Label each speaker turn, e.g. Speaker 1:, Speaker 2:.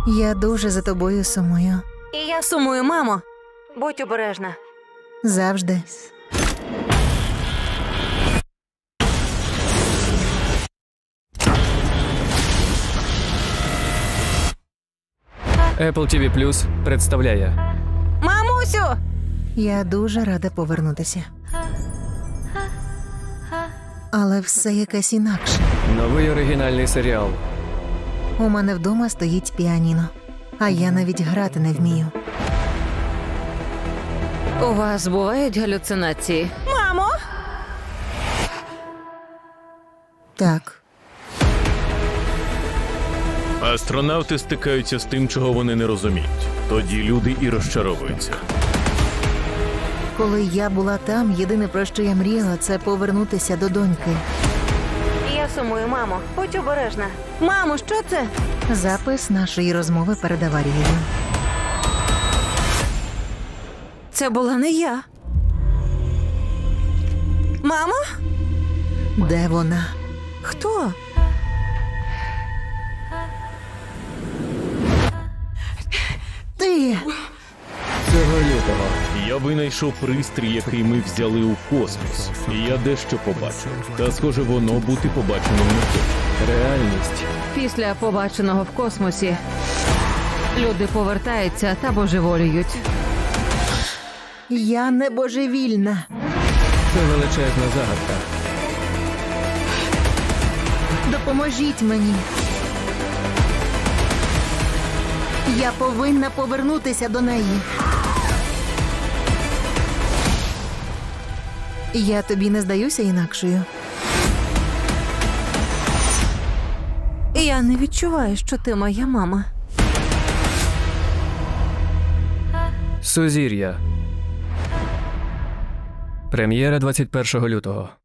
Speaker 1: Я дуже за тобою сумую.
Speaker 2: І я сумую, мамо. Будь обережна.
Speaker 1: Завжди.
Speaker 3: Apple TV Plus представляє
Speaker 2: Мамусю!
Speaker 1: Я дуже рада повернутися. Але все якесь інакше.
Speaker 3: новий оригінальний серіал.
Speaker 1: У мене вдома стоїть піаніно, а я навіть грати не вмію.
Speaker 2: У вас бувають галюцинації? Мамо!
Speaker 1: Так,
Speaker 4: Астронавти стикаються з тим, чого вони не розуміють. Тоді люди і розчаровуються.
Speaker 1: коли я була там, єдине, про що я мріяла, це повернутися до доньки.
Speaker 2: Я сумую, мамо. Будь обережна. Мамо, що це?
Speaker 1: Запис нашої розмови перед аварією.
Speaker 2: Це була не я. Мамо?
Speaker 1: Де вона?
Speaker 2: Хто?
Speaker 1: Ти!
Speaker 3: Цього лютого.
Speaker 4: Я винайшов пристрій, який ми взяли у космос. І я дещо побачив. Та схоже, воно бути побаченим не хоче.
Speaker 3: Реальність.
Speaker 5: Після побаченого в космосі люди повертаються та божеволіють.
Speaker 1: Я не божевільна.
Speaker 3: Це величезна загадка.
Speaker 1: Допоможіть мені. Я повинна повернутися до неї. Я тобі не здаюся інакшою.
Speaker 2: Я не відчуваю, що ти моя мама.
Speaker 3: Сузір'я. Прем'єра 21 лютого.